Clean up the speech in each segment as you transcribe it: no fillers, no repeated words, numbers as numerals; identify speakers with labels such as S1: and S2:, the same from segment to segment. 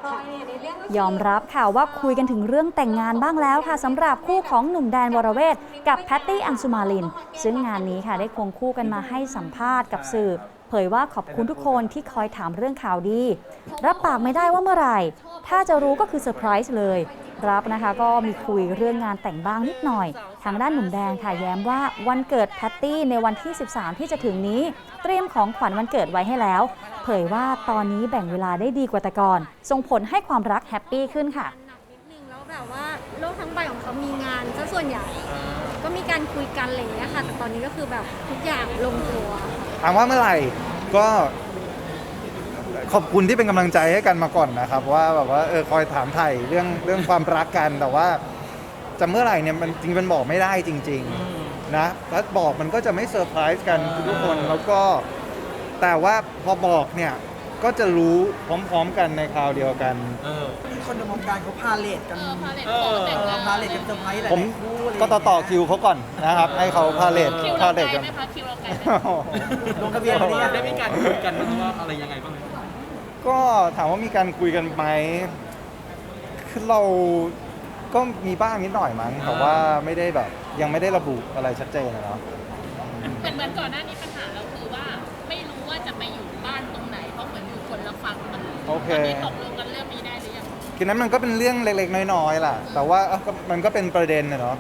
S1: ยอมรับค่ะว่าคุยกันถึงเรื่องแต่งงานบ้างแล้วค่ะสำหรับคู่ของหนุ่มแดนวรเวทกับแพตตี้อังสุมาลินซึ่งงานนี้ค่ะได้ควงคู่กันมาให้สัมภาษณ์กับสื่อเผยว่าขอบคุณทุกคนที่คอยถามเรื่องข่าวดีรับปากไม่ได้ว่าเมื่อไหร่ถ้าจะรู้ก็คือเซอร์ไพรส์เลยรับนะคะก็มีคุยเรื่องงานแต่งบ้างนิดหน่อยทางด้านหนุ่มแดงค่ะแย้มว่าวันเกิดแพตตี้ในวันที่ 13 ที่จะถึงนี้เตรียมของขวัญวันเกิดไว้ให้แล้วเผยว่าตอนนี้แบ่งเวลาได้ดีกว่าแต่ก่อนส่งผลให้ความรักแฮปปี้ขึ้นค่ะ
S2: แล้วแบบว่าโลกทั้งใบของเขามีงานซะส่วนใหญ่ก็มีการคุยกันอะไรอย่างเงี้ยค่ะแต่ตอนนี้ก็คือแบบทุกอย่างลงตัว
S3: ถามว่าเมื่อไหร่ก็ขอบคุณที่เป็นกำลังใจให้กันมาก่อนนะครับว่าแบบว่าคอยถามไถ่เรื่องความรักกันแต่ว่าจะเมื่อไหร่เนี่ยมันจริงมันบอกไม่ได้จริงๆนะถ้าบอกมันก็จะไม่เซอร์ไพรส์กันทุกคนแล้วก็แต่ว่าพอบอกเนี่ยก็จะรู้พร้อมๆกันในคราวเดียวกัน
S4: คนในวงการเขาพาเลทกันพาเลทกันเซอร์ไพรส์อะไร
S3: ผมก็ต่อคิวเขาก่อนนะครับให้เขาพาเลทกัน
S5: คิวเราไกลไหม
S4: ลงทะเบียนนี้
S5: ได้มีการคุยกันว่าอะไรยังไงบ้าง
S3: ก็ถามว่ามีการคุยกันไหมคือเราก็มีบ้างนิดหน่อยมั้งแต่ว่าไม่ได้แบบยังไม่ได้ระบุอะไรชัดเจนนะเนาะ
S5: เหมือนก่อนหน้านี้ปัญหาเราคือว่าไม่รู้ว่าจะไปอยู่บ้านตรงไหนเพราะเหมือนอยู่คนละฝั่งมัน
S3: โอเค
S5: ตกลงกันเรื่องนี้ได้หรือยัง
S3: คือนั้นมันก็เป็นเรื่องเล็กๆน้อยๆล่ะแต่ว่ามันก็เป็นประเด็นนะเนาะ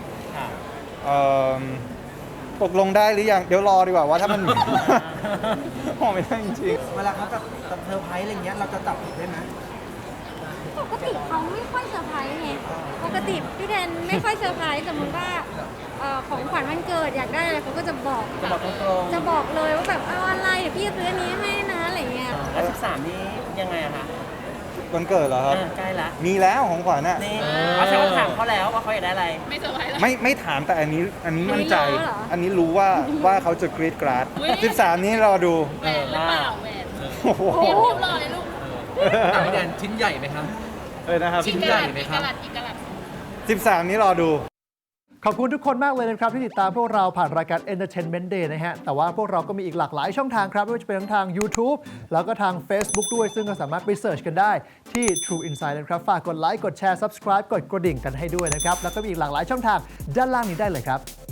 S3: ตกลงได้หรือยังเดี๋ยวรอดีกว่าว่าถ้ามันพอไม่ได้จริง
S4: ๆเวลาเขาจะเซอร์ไพรส์อะไรเงี้ยเราจะจับผิดได้ไหม
S2: ปกติเขาไม่ค่อยเซอร์ไพรส์ไงปกติพี่แดนไม่ค่อยเซอร์ไพรส์สมมติว่าของขวัญวันเกิดอยากได้อะไรเขาก็จะบอกจะบอกเลยว่าแบบเอาอะไรเดี๋ยวพี่จะซื้ออันนี้ให้นะอะไรเงี้ย
S4: แล้ว13นี้ยังไงอะคะ
S3: วันเกิดเหรอครับ
S4: ใกล้ละ
S3: มีแล้วของขวัญน่ะ
S4: เขาจะถามเขาแล้วว่าเขาอยากได้อะไร
S5: ไม่เซอร์ไพรส์
S3: ไม่ถามแต่อันนี้มั่นใจอันนี้รู้ว่าเขาจะกรี๊ดกราด13นี้รอดู
S5: แหวนหรือเปล่าแหวน
S3: โอ้โห
S5: เตรียมรอเลยลูก
S6: พี่แดนชิ้นใหญ่ไหมครับ
S3: นะครับ
S5: ชิ้นใหญ่ไหมครับ
S3: 13นี้รอดู
S7: ขอบคุณทุกคนมากเลยนะครับที่ติดตามพวกเราผ่านรายการ Entertainment Day นะฮะแต่ว่าพวกเราก็มีอีกหลากหลายช่องทางครับไม่ว่าจะเป็นทั้งทาง YouTube แล้วก็ทาง Facebook ด้วยซึ่งก็สามารถไปเสิร์ชกันได้ที่ True Insight นะครับฝากกดไลค์กดแชร์ Subscribe กดกระดิ่งกันให้ด้วยนะครับแล้วก็มีอีกหลากหลายช่องทางด้านล่างนี้ได้เลยครับ